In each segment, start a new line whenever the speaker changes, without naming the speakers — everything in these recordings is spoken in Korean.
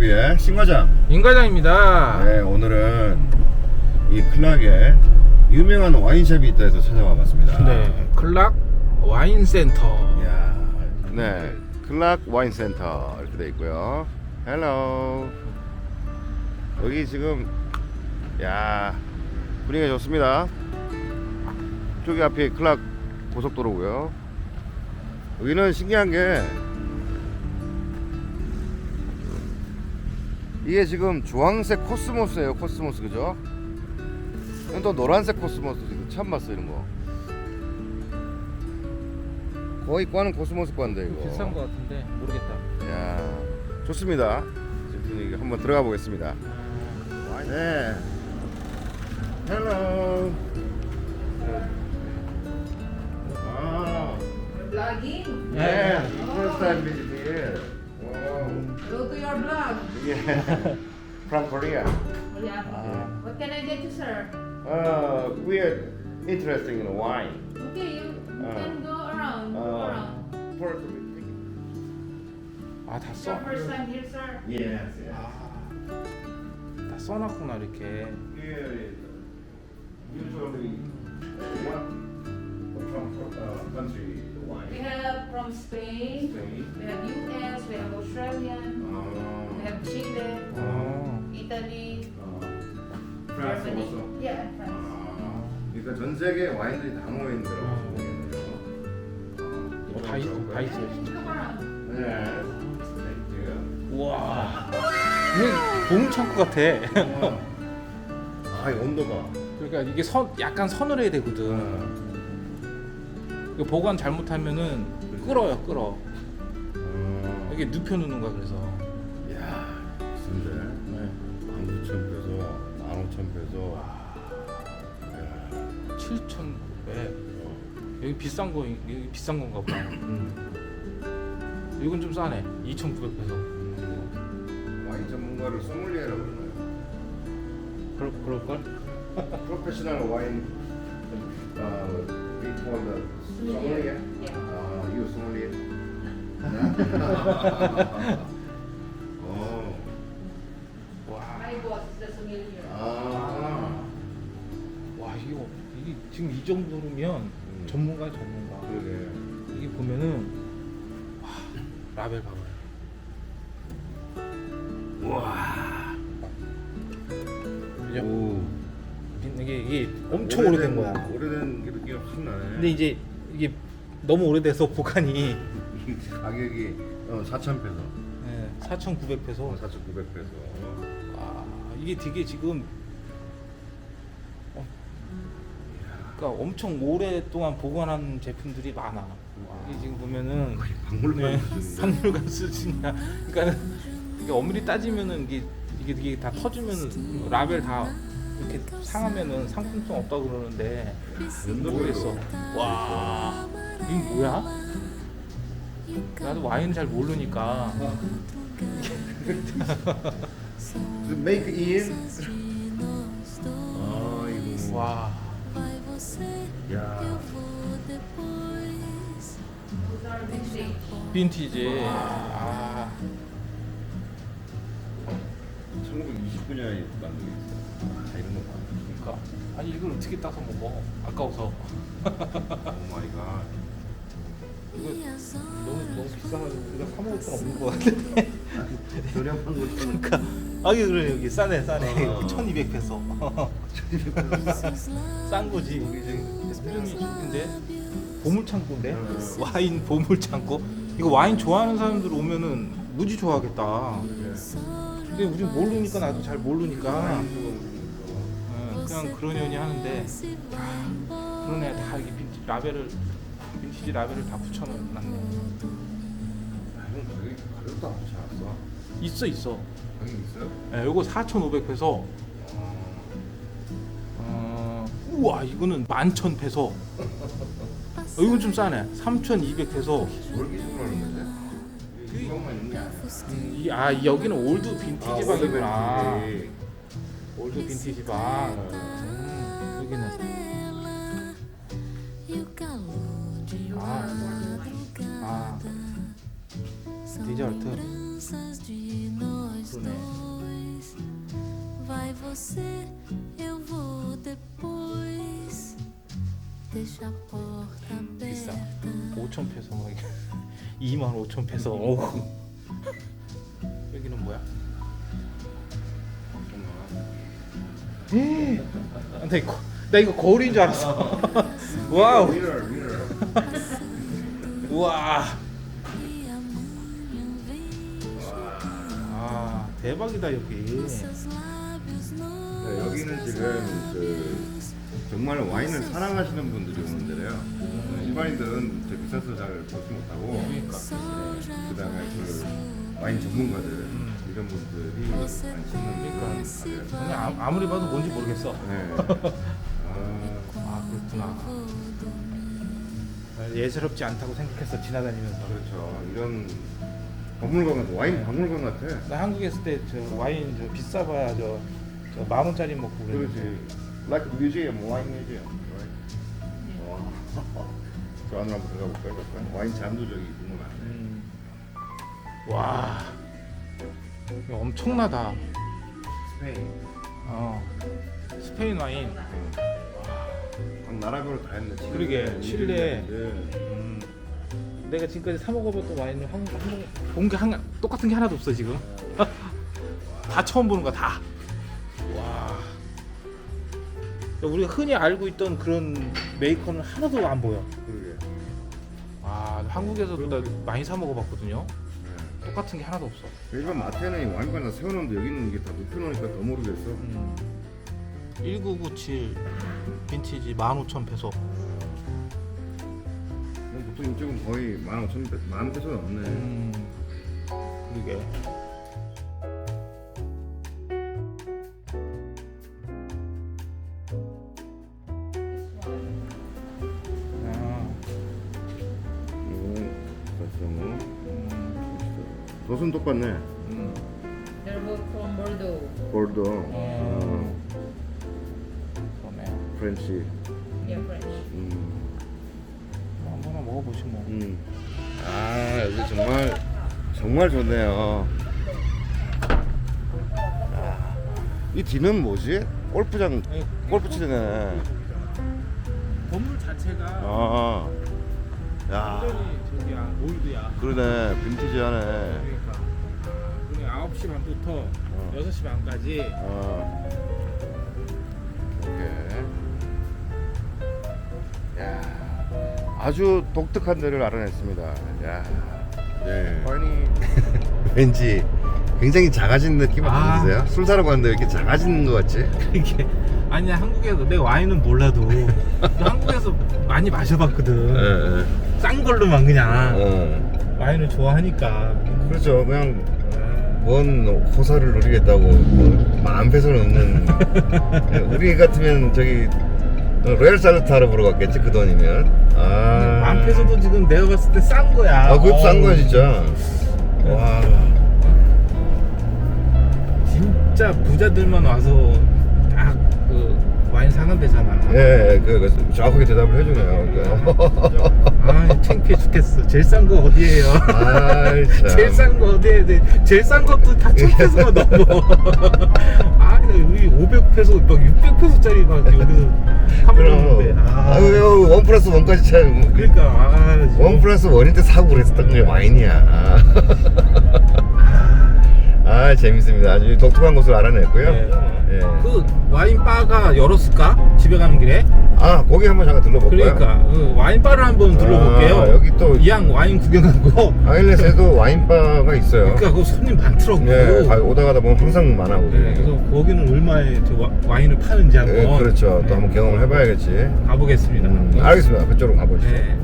우리의 신과장
임과장입니다.
네, 오늘은 이 클락에 유명한 와인샵이 있다 해서 찾아와 봤습니다.
네, 클락 와인 센터.
이야, 네, 클락 와인 센터 이렇게 돼 있고요. 헬로. 여기 지금 야 분위기가 좋습니다. 저기 앞에 클락 고속도로고요. 여기는 신기한 게 이게 지금 주황색 코스모스예요. 코스모스 그죠? 이건 또 노란색 코스모스 지금 처음 봤어요 이런 거. 거의 과는 코스모스 과인데 이거.
비싼 거 같은데 모르겠다.
야 좋습니다. 지금 분위기 한번 들어가 보겠습니다. 네. 헬로. 아.
Vlogging?
네. First time visit here. Wow.
Go to your blog.
Yeah. From Korea.
Oh, yeah. What can I get you, sir?
We are interested in wine.
Okay, you can go around. Go around.
For
아, 다
It's
써.
your first time here, sir?
yes, yes.
다 써놨구나 이렇게.
Here is usually what from country wine.
We have from Spain,
Spain.
we have US, we have Australian, we have Chile,
어.
Italy,
France
Germany.
also.
Yeah, France.
그러니까 전 세계 와인들이 다 모여 있는 거라고 보겠네요.
다 있어, 다 있어요. 진짜.
Come around.
네. 땡큐.
우와. 이게 보물 창고 같아.
아, 이 온도 봐.
그러니까 이게 약간 서늘해야 되거든. 이거 보관 잘못하면은 끓어요, 끓어. 이게 눕혀놓는 거야 그래서.
야, 비싼데.
네.
19,000페소, 15,000페소.
7,900. 여기 비싼 거 여기 비싼 건가 보다. 이건 좀 싸네. 2,900페소.
와인 전문가를 소믈리에라고 그러나요?
그럴 걸?
프로페셔널 와인 비포더 소믈리에?
Yeah.
유 소믈리에? 오.
와.
My boss is the sommelier.
아.
와 이게 지금 이 정도면 전문가야 전문가.
그러게.
이게 보면은 와 라벨 봐봐요.
와.
그죠?
오.
이게 엄청 오래된 거야.
오래된 게 느낌이 확 나네.
근데 이제 이게 너무 오래돼서 보관이
가격이 4,000페소.
네, 4,900페소.
4,900페소.
아 이게 되게 지금 그러니까 엄청 오랫동안 보관한 제품들이 많아. 이게 지금 보면은
박물관 수준인데.
박물관 수준이야. 그러니까 이게 엄밀히 따지면은 이게 다 터지면 라벨 다 이렇게 상하면은 상품성 없다고 그러는데 모르겠어. 와 이게 뭐야? 나도 와인 잘 모르니까.
Make in. 아이고.
와.
야.
Those are vintage.
빈티지. 아.
1929년에 만든 게 있어. 다 이런 거 봐.
그러니까 아니 이걸 어떻게 따서 먹어? 아까워서.
오 마이 갓.
이거 너무 비싸가지고 우리가 사 먹을 건 없는 것 같은데.
저렴한 거 좀.
그러니까 아 이게 그래 여기 싸네. 1,200페소. 싼 거지. 이게 지금 수준이 좋은데 보물 창고인데 와인 보물 창고. 이거 와인 좋아하는 사람들 오면은 무지 좋아하겠다. 근데 우리 모르니까 나도 잘 모르니까 그냥 그러려니 하는데 그러네 다 이게 빈티지 라벨을 다 붙여놨네.
가격도 안 붙지 않았어?
있어.
가격 있어요?
네, 요거 4,500페소. 우와 이거는 11,000페소. 이건 좀 싸네. 3,200페소.
뭘 기준으로 하는 거지? 이것만 있는 게 아니야.
여기는 올드 빈티지 방이구나.
빈티지.
올드 빈티지 방. 여기는 디저트. 그러네.
Vai você, eu vou depois. Deixa a porta
비싸.
aberta.
5천 페소 막 2만 5천 페소. 어우. 여기는 뭐야? 나 이거 거울인 줄 알았어. 와우. 우와. 아 대박이다 여기.
네, 여기는 지금 그 정말 와인을 사랑하시는 분들이 오는 데래요. 일반인들은 저 비싸서 잘 보지 못하고,
그러니까.
그다음에 그 와인 전문가들 이런 분들이 많이 찾는 그런 가게예요.
그냥 아무리 봐도 뭔지 모르겠어.
네.
아 그렇구나. 예사롭지 않다고 생각했어 지나다니면서.
그렇죠. 이런 박물관 같아. 와인 박물관 같아.
나 한국에 있을 때 저 와인 저 비싸봐야 저 10,000원짜리 먹고 그랬는데.
그렇지. Like a museum, wine museum. Right? 와. 저 안으로 한번 들어가 볼까요? 잠깐? 와인 잔도적이 궁금하네.
와. 이거 엄청나다.
스페인.
스페인 와인.
각 나라별로 다 했네.
그러게, 칠레. 내가 지금까지 사 먹어봤던 와인을 본게 똑같은 게 하나도 없어 지금. 다 처음 보는 거야 다. 와. 우리가 흔히 알고 있던 그런 메이커는 하나도 안 보여.
그러게.
아 한국에서도 나 많이 사 먹어봤거든요. 똑같은 게 하나도 없어.
일반 마트에는 이 와인바나 세워놓는데 여기는 이게 다 눕혀놓으니까 더 모르겠어.
1997 빈티지 15,000페소.
보통 이쪽은 거의 15,000, 10,000페소 넘네.
그러게.
돛은 똑같네.
They're both from Bordeaux.
볼도,
그러네.
프렌치.
Yeah, French.
한번 먹어보시 뭐.
아 여기 정말 좋네요. 이 뒤는 뭐지? 골프장, 골프 치는 애.
건물 자체가
아, 야,
저기야 올드야.
그러네. 빈티지하네.
그러니까 우리 9시 반부터 6시 반까지.
오케이. 야, 아주 독특한 데를 알아냈습니다. 야, 네. 아니 왠지 굉장히 작아진 느낌 안 드세요? 술 사러 갔는데 왜 이렇게 작아지는 것 같지?
이게 아니야 한국에서 내 와인은 몰라도 한국에서 많이 마셔봤거든. 싼 걸로만 그냥 와인을 좋아하니까.
그렇죠. 그냥 뭔 호사를 누리겠다고 뭐 마음 배서 넣는. 우리 같으면 저기 로얄 살루타르 보러 갔겠지 그 돈이면.
맘페소도 지금 내가 봤을 때 싼 거야.
그것도 싼 거야 진짜. 와.
진짜 부자들만 와서 딱 그 와인 사는 데잖아.
예, 그 정확하게 대답을 해주네요.
아, 창피해 죽겠어. 제일 싼 거 어디예요?
아이 참.
제일 싼 거 어디에 돼? 제일 싼 것도 다 1,000페소가 넘어. 아, 우리 500페소, 막 600페소짜리 막 여기서 사먹는데.
아유, 1+1까지 참.
그러니까
1+1일 때 사고 그랬었던 게 와인이야. 아, 재밌습니다. 아주 독특한 곳을 알아냈고요.
네.
예.
그 와인 바가 열었을까? 집에 가는 길에?
아, 거기 한번 잠깐 들러볼까요?
그러니까 그 와인 바를 한번 둘러볼게요.
여기 또
이왕 와인 구경하고.
아일렛에도 와인바가 있어요.
그러니까 그 손님 많더라고.
예, 오다 가다 보면 항상 많아거든요.
네, 그래서 거기는 얼마에 저 와인을 파는지 한번.
예, 그렇죠. 또 한번 경험을 해봐야겠지.
가보겠습니다.
알겠습니다. 그쪽으로 가보시죠.
네.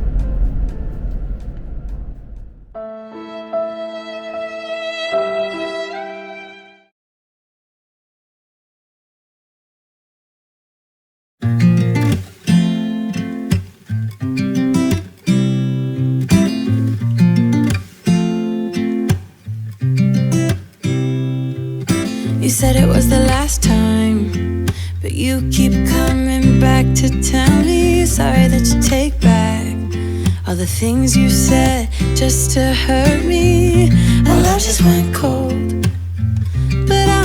You said it was the last time, but you keep coming back to tell me sorry that you take back all the things you said just to hurt me. Our love just went cold.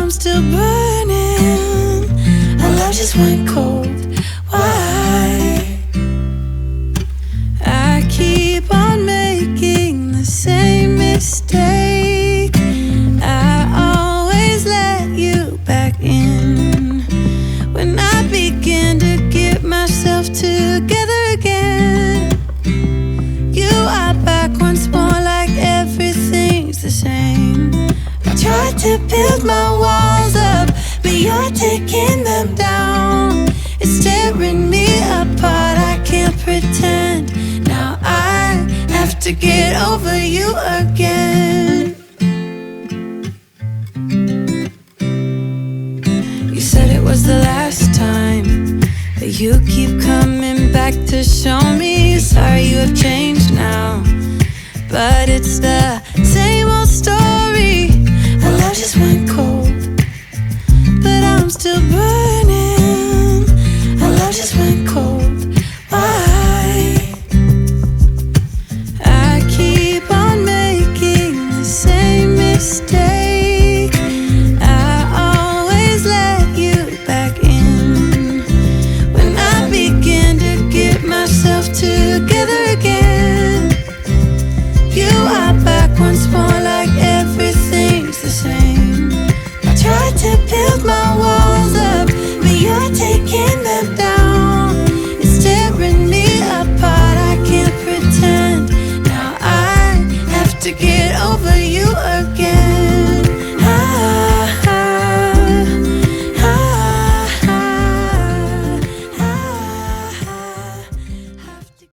I'm still burning. Our love just went cold. Why? I keep on making the same mistake. I always let you back in when I begin to get myself together again. You are back once more, like everything's the same. I tried to build my walls up, but you're taking them down. It's tearing me apart, I can't pretend. Now I have to get over you again. You said it was the last time, but you keep coming back to show me. Sorry you have changed now, but it's the